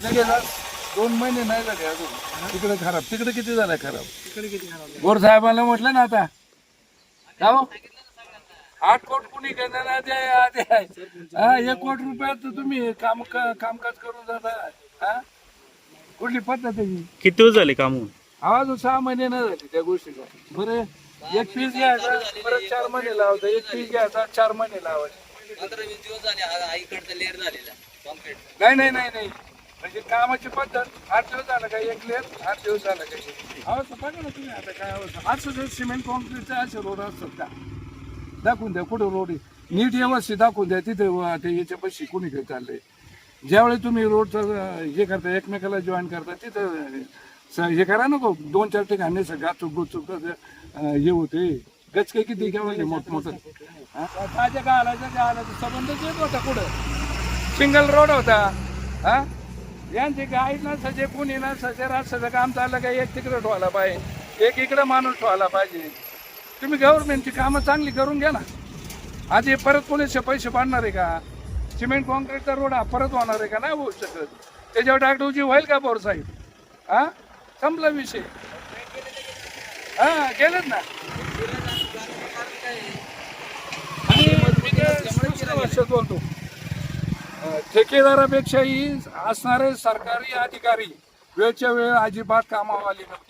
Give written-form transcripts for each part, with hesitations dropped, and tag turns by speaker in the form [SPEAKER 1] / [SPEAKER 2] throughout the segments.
[SPEAKER 1] गेला 2 महिने नाही झाले अजून तिकडे खराब. तिकडे किती झाला खराब? गोर साहेबांना म्हटलं ना आता का हो? 8 कोटी कुणी घेणार आधी 1 कोटी रुपयात तुम्ही कामकाज करून जाता. हा कुठली पद्धत आहे?
[SPEAKER 2] किती दिवस झाले काम होऊन?
[SPEAKER 1] आवाज 6 महिने नाही झाले त्या गोष्टीला. बरं एक पीस घ्यायचा परत 4 महिने लावायचा, एक पीस घ्यायचा 4 महिने लावायचे.
[SPEAKER 3] 15-20 दिवस झाले आईकडचा लेअर झालेला कॉन्क्रीट.
[SPEAKER 1] नाही म्हणजे कामाची पद्धत 8 दिवस झालं का एक लेअर, 8 दिवस झालं का. अवस्था बघा ना तुम्ही आता काय अवस्था. असं जर सिमेंट कॉन्क्रीटचा असे रोड असतात का? दाखवून द्या कुठं रोड आहे नीट व्यवस्थित दाखवून द्या. तिथे ते याच्या पैसे कुणी काही चाललंय. ज्यावेळी तुम्ही रोडचं हे करता एकमेकाला जॉईन करता तिथं हे करा नको 2-4 ठिकाणी गाचूक गुचूक हे होते. गचके किती घ्यावं मोठमोठं. ताज्या गाळाचा संबंधच येत होता कुठं. सिंगल रोड होता. हा यांचे गाईड नसायचे कुणी नसायचे. राष्ट्राचं काम चाललं का एक तिकडं ठेवायला पाहिजे, एक इकडं माणूस ठेवायला पाहिजे. तुम्ही गव्हर्नमेंटची कामं चांगली करून घ्या ना. आधी परत कोणीचे पैसे पाडणार आहे का? सिमेंट कॉन्क्रीटचा रोड हा परत होणार आहे का? नाही होऊ शकत. त्याच्यावर डागडुजी होईल का बोर साहेब? हा संपला विषय. हा गेलेत ना. आणि मी दुसऱ्या भाषेत बोलतो. ठेकेदारापेक्षाही असणारे सरकारी अधिकारी वेळच्या वेळ अजिबात कामावर आले नव्हते.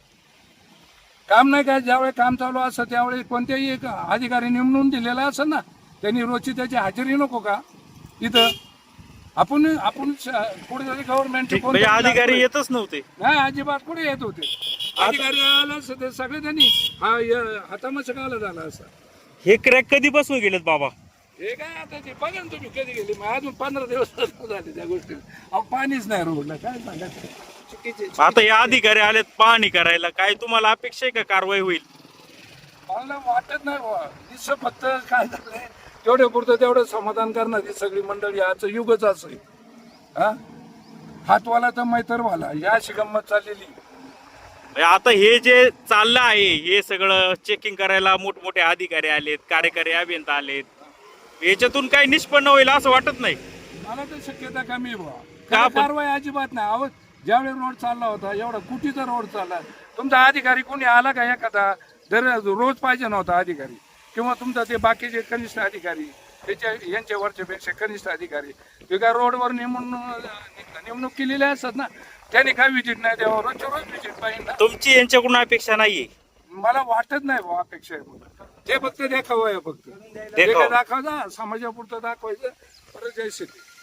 [SPEAKER 1] काम नाही काय ज्यावेळी काम चालू असतं त्यावेळी कोणत्याही एक अधिकारी नेमून दिलेला असेल ना, त्यांनी रोजची त्याची हजेरी नको का इथं? आपण कुठेतरी गव्हर्नमेंटचे
[SPEAKER 2] म्हणजे अधिकारी येतच नव्हते.
[SPEAKER 1] नाही अजिबात कुठे येत होते. अधिकारी आला सगळे त्यांनी हातामध्ये काला झाला असं.
[SPEAKER 2] हे क्रॅक कधीपासून गेलेत बाबा?
[SPEAKER 1] हे काय आता ते बघा ना तुम्ही कधी गेले. मग अजून 15 दिवस झाले त्या गोष्टीला. अहो पाणीच नाही रोडला. काय सांगायचं चुकीचे.
[SPEAKER 2] आता या अधिकारी आलेत पाहणी करायला, काय तुम्हाला अपेक्षा आहे का कारवाई होईल?
[SPEAKER 1] मला वाटत नाही बाबा. दिसं फक्त काय झालंय तेवढे पुरतं तेवढं समाधान करणारी सगळी मंडळी. आजचं युगच असं आहे. हा हातवाला तर मैतरवाला या अशी गंमत चाललेली.
[SPEAKER 2] म्हणजे आता हे जे चाललं आहे हे सगळं चेकिंग करायला मोठमोठे अधिकारी आलेत, कार्यकारी अभियंता आलेत, याच्यातून काही निष्पन्न होईल असं वाटत नाही?
[SPEAKER 1] मला तर शक्यता कमी आहे बाबा.
[SPEAKER 2] का
[SPEAKER 1] कारवाई अजिबात नाही. अहो ज्यावेळी रोड चालला होता एवढा कुटीचा रोड चालला, तुमचा अधिकारी कोणी आला का एखादा? जर रोज पाहिजे नव्हता अधिकारी किंवा तुमचा ते बाकीचे कनिष्ठ अधिकारी त्याच्या यांच्या वरच्यापेक्षा कनिष्ठ अधिकारी ते काय रोडवर नेमणूक केलेल्या असतात ना, त्याने काय विजिट नाही द्यावं. रोजच्या रोज विजिट पाहिजे ना.
[SPEAKER 2] तुमची यांच्याकडून अपेक्षा नाहीये?
[SPEAKER 1] मला वाटत नाही बाबा अपेक्षा आहे म्हणून. ते फक्त देखावं आहे. फक्त
[SPEAKER 2] देखावा.
[SPEAKER 1] दाखवायचा समाजापुरतं दाखवायचं परत जायचं.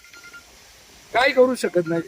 [SPEAKER 1] काय करू शकत नाही.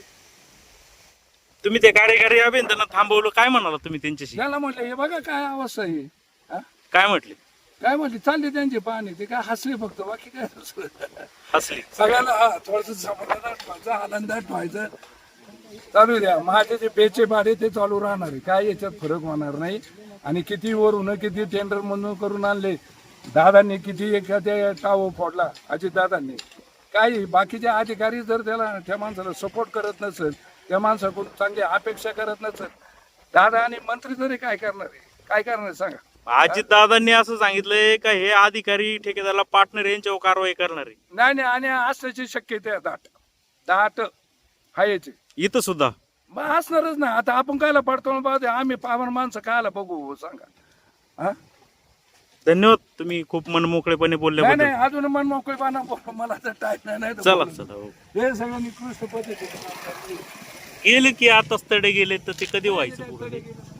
[SPEAKER 2] तुम्ही ते कार्यकारी अभियंत्यांना थांबवलं, काय म्हणाला तुम्ही त्यांच्याशी?
[SPEAKER 1] त्याला म्हटलं हे बघा काय अवस्था आहे. हा?
[SPEAKER 2] काय म्हटले?
[SPEAKER 1] काय म्हटली चालली त्यांची पाहणी. ते काय हसले फक्त, बाकी काय दुसरं.
[SPEAKER 2] हसली.
[SPEAKER 1] सगळ्याला थोडस समाधान व्हायचं, आनंदात व्हायचं. चालू द्या. माझे जे बेचे भाडे ते चालू राहणार आहे. काय याच्यात फरक होणार नाही. आणि किती वरून किती टेंडर म्हणून करून आणले दादांनी, किती एखाद्या टाव फोडला अजित दादांनी. काही बाकीचे अधिकारी जर त्या माणसाला सपोर्ट करत नसेल, त्या माणसाकडून चांगली अपेक्षा करत नसेल, दादा आणि मंत्री तरी काय करणार आहे? काय करणार आहे सांगा?
[SPEAKER 2] अजित दादांनी असं सांगितलंय का हे अधिकारी ठेकेदाराला पार्टनर यांच्यावर कारवाई करणार आहे?
[SPEAKER 1] नाही आणि असल्याची शक्यता आहे. दाट हायचे
[SPEAKER 2] इथं सुद्धा
[SPEAKER 1] मग असणारच ना. आता आपण कायला पडतो पाहतो आम्ही पावन माणसं कायला बघू सांगा. हा
[SPEAKER 2] धन्यवाद. तुम्ही खूप मनमोकळेपणे बोलल्याबद्दल.
[SPEAKER 1] नाही अजून मन मोकळेपणा मला तर टाईम नाही.
[SPEAKER 2] चला चला. हो.
[SPEAKER 1] हे सगळं निकृष्ट पद्धतीने
[SPEAKER 2] गेले की आता तडे गेले तर ते कधी व्हायचं पुढे?